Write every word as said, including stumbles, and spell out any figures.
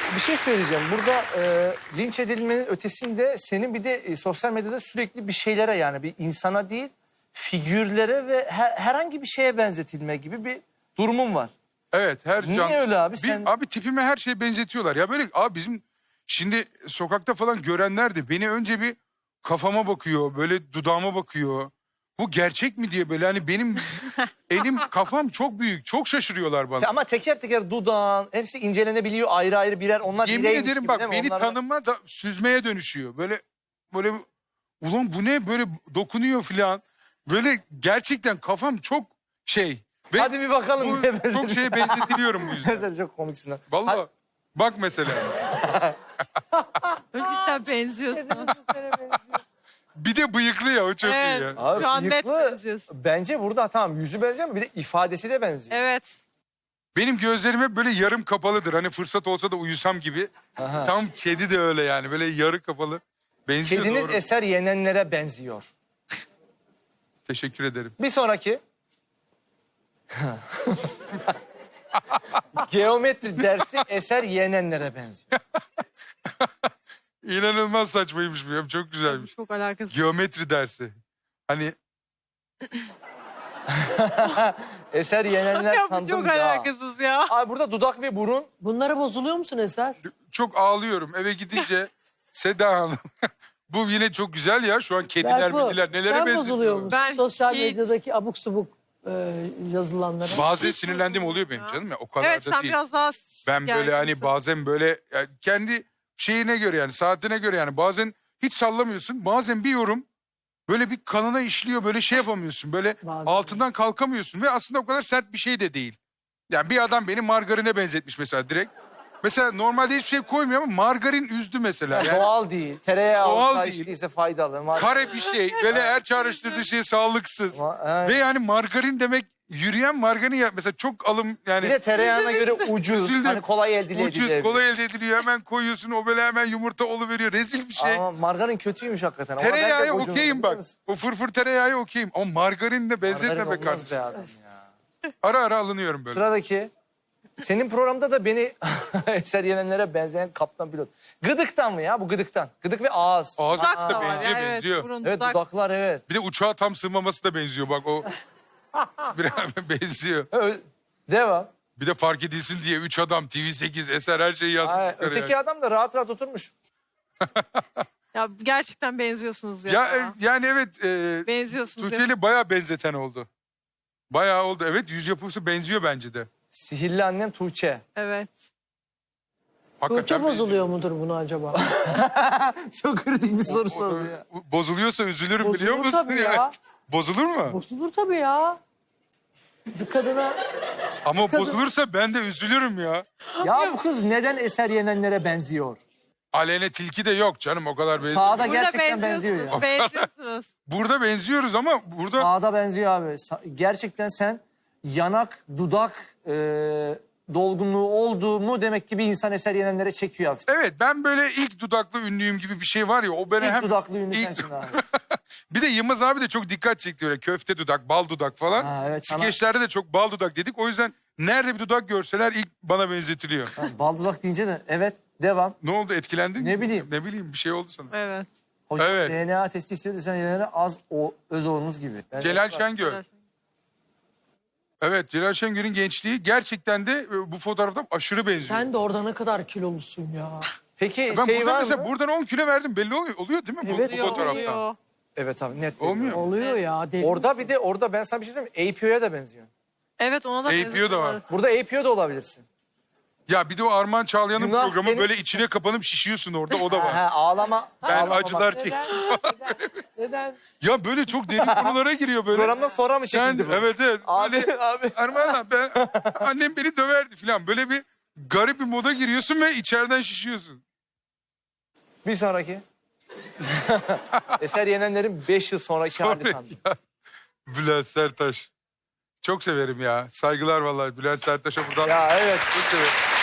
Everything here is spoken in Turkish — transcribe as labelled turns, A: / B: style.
A: Bir şey söyleyeceğim. Burada e, linç edilmenin ötesinde senin bir de e, sosyal medyada sürekli bir şeylere, yani bir insana değil figürlere ve her, herhangi bir şeye benzetilme gibi bir durumun var.
B: Evet, her
A: Niye
B: can...
A: öyle abi?
B: Bir-
A: Sen
B: Abi tipime her şeye benzetiyorlar. Ya böyle abi bizim şimdi sokakta falan görenler de beni önce bir kafama bakıyor, böyle dudağıma bakıyor. Bu gerçek mi diye böyle hani benim elim kafam çok büyük, çok şaşırıyorlar bana.
A: ama teker teker dudağın hepsi incelenebiliyor ayrı ayrı birer. Onlar
B: Yemin
A: bireymiş
B: ederim
A: gibi
B: bak
A: değil mi?
B: beni
A: Onlar da-
B: tanıma da süzmeye dönüşüyor. Böyle böyle ulan bu ne böyle dokunuyor filan. Böyle gerçekten kafam çok şey. Ve
A: Hadi bir bakalım.
B: bu,
A: neye benziyor.
B: çok şeye benzetiliyorum bu yüzden.
A: Sen çok komiksin. lan.
B: Vallahi
A: Hadi.
B: bak mesela.
C: Cidden benziyorsun.
B: Bir de bıyıklı ya o çok
C: Evet.
B: iyi ya.
A: Abi,
C: Şu an net
A: bıyıklı,
C: benziyorsun.
A: bence burada tamam yüzü benziyor ama bir de ifadesi de benziyor.
C: Evet.
B: Benim gözlerim hep böyle yarım kapalıdır. Hani fırsat olsa da uyusam gibi.
A: Aha.
B: Tam kedi de öyle yani. Böyle yarı kapalı. Benziyor
A: Kediniz
B: doğru.
A: eser yenenlere benziyor.
B: Teşekkür ederim.
A: Bir sonraki. Geometri dersi eser yenenlere benziyor.
B: İnanılmaz saçmaymış bu ya. Çok güzelmiş.
C: Çok alakasız.
B: Geometri dersi. Hani
A: Eser yenenler
C: Ya bu
A: sandım
C: çok
A: ya.
C: alakasız ya.
A: Abi burada dudak ve burun.
D: Bunlara bozuluyor musun Eser?
B: çok ağlıyorum. Eve gidince Seda Hanım. Bu yine çok güzel ya. Şu an kediler,
D: Berfu,
B: mediler nelere
D: sen
B: benziyor.
D: bozuluyor musun?
C: Ben
D: Sosyal
C: hiç-
D: medyadaki abuk subuk e, yazılanlara.
B: Bazen
C: Hiç
B: sinirlendiğim oluyor benim
C: ya.
B: canım ya. O kadar
C: Evet
B: da
C: sen
B: değil.
C: biraz daha...
B: Ben böyle hani bazen böyle yani kendi şeyine göre yani saatine göre yani bazen hiç sallamıyorsun. Bazen bir yorum böyle bir kanına işliyor, böyle şey yapamıyorsun. Böyle
D: Bazen.
B: altından kalkamıyorsun ve aslında o kadar sert bir şey de değil. Yani bir adam beni margarine benzetmiş mesela direkt. Mesela normalde hiçbir şey koymuyor ama margarin üzdü mesela. Yani
A: Doğal değil. Tereyağı
B: Doğal
A: olsa
B: değil.
A: içtiyse faydalı. Mar-
B: kare bir şey. Böyle her çağrıştırdığı şey sağlıksız.
A: Ma- evet.
B: Ve yani margarin demek yürüyen margarin ya mesela çok alım yani.
A: Bir de tereyağına göre ucuz.
B: Üzüldüm.
A: Hani kolay elde
B: Ucuz,
A: edilebilir.
B: kolay elde ediliyor. Hemen koyuyorsun, o böyle hemen yumurta oluveriyor. Rezil bir şey.
A: Ama margarin kötüymüş hakikaten. Ama ben de
B: Tereyağı
A: gocunurdum,
B: okeyim
A: biliyor
B: bak.
A: musun?
B: O fırfır tereyağı okeyim. Ama margarinle benzetme
A: Margarin
B: be
A: olmaz
B: kardeşim.
A: be adam ya.
B: Ara ara alınıyorum böyle.
A: Sıradaki. Senin programda da beni eser yenenlere benzeyen kaptan pilot. Gıdıktan mı ya bu gıdıktan? Gıdık ve ağız.
B: Ağız
C: Dudak
B: da
C: da var.
B: benziyor,
C: Yani evet,
B: benziyor.
C: burun,
A: Evet
C: dudak.
A: dudaklar evet.
B: Bir de uçağa tam sığmaması da benziyor bak o. Biraz benziyor.
A: Ö- Devam.
B: Bir de fark edilsin diye üç adam, T V sekiz, Eser her şeyi
A: Ay,
B: yazmışlar
A: öteki
B: yani.
A: adam da rahat rahat oturmuş.
C: Ya gerçekten benziyorsunuz ya.
B: Ya, e, yani evet e,
C: Benziyorsunuz ya.
B: Tuğçe'yle bayağı benzeten oldu. Bayağı oldu. Evet yüz yapısı benziyor bence de.
A: Sihirli annem Tuğçe.
C: Evet.
B: Hakikaten
D: Tuğçe
B: benziyor.
D: bozuluyor mudur bunu acaba?
A: Çok kritik bir soru
B: O-
A: sordu ya.
B: o- Bozuluyorsa üzülürüm biliyor
D: Bozulur
B: musun?
D: tabii
B: Yani?
D: ya.
B: Bozulur mu?
D: Bozulur tabii ya. Bir kadına
B: Ama bozulursa ben de üzülürüm ya.
A: Ya bu kız neden eser yenenlere benziyor?
B: Aleyne Tilki de yok canım o kadar benziyor.
A: Sağda
C: Burada
A: gerçekten benziyor
C: benziyorsunuz.
A: ya.
C: Benziyorsunuz.
B: Burada benziyoruz ama burada
A: Sağda benziyor abi. Sa- Gerçekten sen yanak, dudak e, dolgunluğu oldu mu demek ki bir insan eser yenenlere çekiyor hafif.
B: evet ben böyle ilk dudaklı ünlüyüm gibi bir şey var ya o beni
A: İlk
B: hem
A: dudaklı ünlü
B: İlk-
A: sensin abi.
B: bir de Yılmaz abi de çok dikkat çekti öyle köfte dudak, bal dudak falan.
A: Ha, evet, sana-
B: Skeçlerde de çok bal dudak dedik. O yüzden nerede bir dudak görseler ilk bana benzetiliyor.
A: Ha, bal dudak deyince de evet devam.
B: Ne oldu etkilendin
A: Ne
B: mi?
A: bileyim.
B: Ne bileyim bir şey oldu sana.
C: Evet.
A: Hocam
B: Evet.
A: D N A testi istiyoruz sen yenenlere az o, öz oğlunuz gibi. Ben-
B: Celal Şengör. Evet Celal Şengör'ün gençliği gerçekten de e, bu fotoğrafta aşırı benziyor.
D: sen de orada ne kadar kilolusun ya.
A: Peki
B: ben
A: şey
B: buradan
A: var
B: mesela
A: mı?
B: buradan on kilo verdim belli oluyor, oluyor değil mi bu,
D: Evet,
B: bu
C: Oluyor,
B: fotoğrafta?
C: oluyor.
A: Evet abi net.
B: Olmuyor.
D: Oluyor ya. deli
A: Orada
D: misin?
A: bir de orada ben sana bir şey söyleyeyim mi? A P O'ya da benziyor.
C: Evet ona da
B: A P O da
C: benziyorsunuz.
B: var.
A: Burada A P O da olabilirsin.
B: Ya bir de o Armağan Çağlayan'ın
A: Günah
B: programı
A: senin-
B: böyle içine kapanıp şişiyorsun orada o da var.
A: Ha, ağlama.
B: Ben
A: ağlama
B: acılar
A: bak.
B: çektim.
D: Neden?
B: Ya böyle çok derin konulara giriyor böyle.
A: Programdan sonra mı
B: Sen
A: çekildi bu?
B: evet evet.
A: Abi
B: Böyle,
A: abi.
B: Armağan abi ben, annem beni döverdi falan. Böyle bir garip bir moda giriyorsun ve içeriden şişiyorsun.
A: Bir sonraki. Eser yenenlerin beş yıl sonraki hali
B: Sonra
A: sandım.
B: ya, Bülent Serttaş. Çok severim ya. Saygılar vallahi Bülent Serttaş'a buradan.
A: Ya evet.
B: Çok severim.